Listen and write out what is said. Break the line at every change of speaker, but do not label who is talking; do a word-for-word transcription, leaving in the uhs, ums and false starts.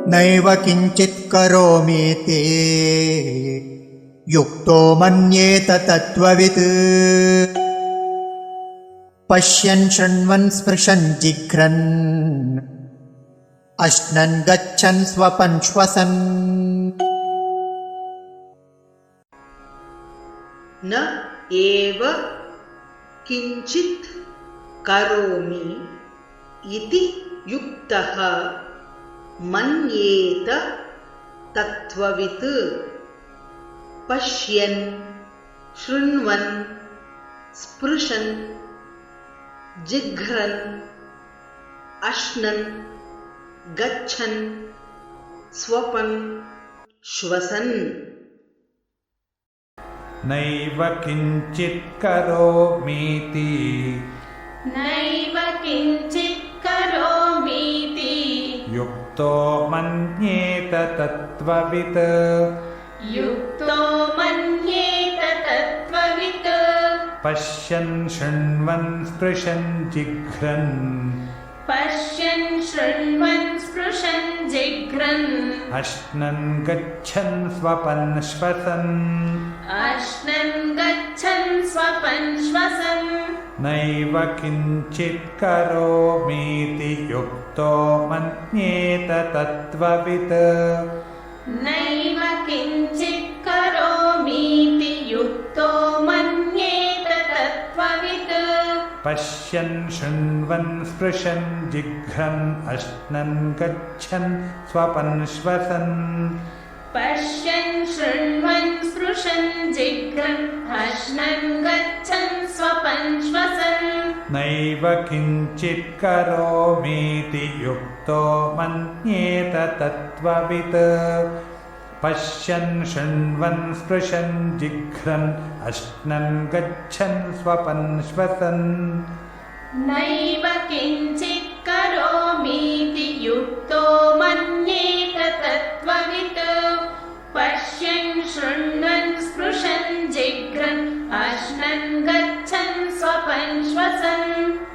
नैव किञ्चित् करोमीति युक्तो मन्येत तत्त्ववित् पश्यन् शृण्वन् स्पृशन् जिघ्रन् अश्नन् गच्छन् स्वपन् श्वसन्
न एव किञ्चित् करोमि इति युक्तः मन्येत तत्त्ववित् पश्यन् शृण्वन् स्पृशन् जिघ्रन् अश्नन् गच्छन् स्वपन् श्वसन्
नैव किञ्चित् करोमीति
नैव किञ्चित् करोमीति
युक्तो मन्येत तत्त्ववित्
युक्तो मन्येत तत्त्ववित्
पश्यन् शृण्वन् स्पृशन् जिघ्रन्
पश्यन् शृण्वन् स्पृशन् जिघ्रन्
अश्नन् गच्छन् स्वपन् श्वसन्
अश्नन् गच्छन् स्वपन् श्वसन्
नैव किञ्चित् करोमीति युक्तो मन्येत तत्त्ववित्
नैव किञ्चित् करोमीति युक्तो मन्येत तत्त्ववित्
पश्यन् शृण्वन् स्पृशन् जिघ्रन् अश्नन् गच्छन् स्वपन् श्वसन्
पश्यन् शृण्वन् स्पृशन् जिघ्रन् अश्नन् गच्छन् स्वपन् श्वसन्
नैव किञ्चित् करोमीति युक्तो मन्येत तत्त्ववित् पश्यन् शृण्वन् स्पृशन् जिघ्रन् अश्नन् गच्छन् स्वपन् श्वसन्
नैव किञ्चित् करोमीति युक्तो मन्येत तत्त्ववित् पश्यन् शृण्वन् स्पृशन् जिघ्रन् अश्नन् गच्छन् स्वपन् श्वसन्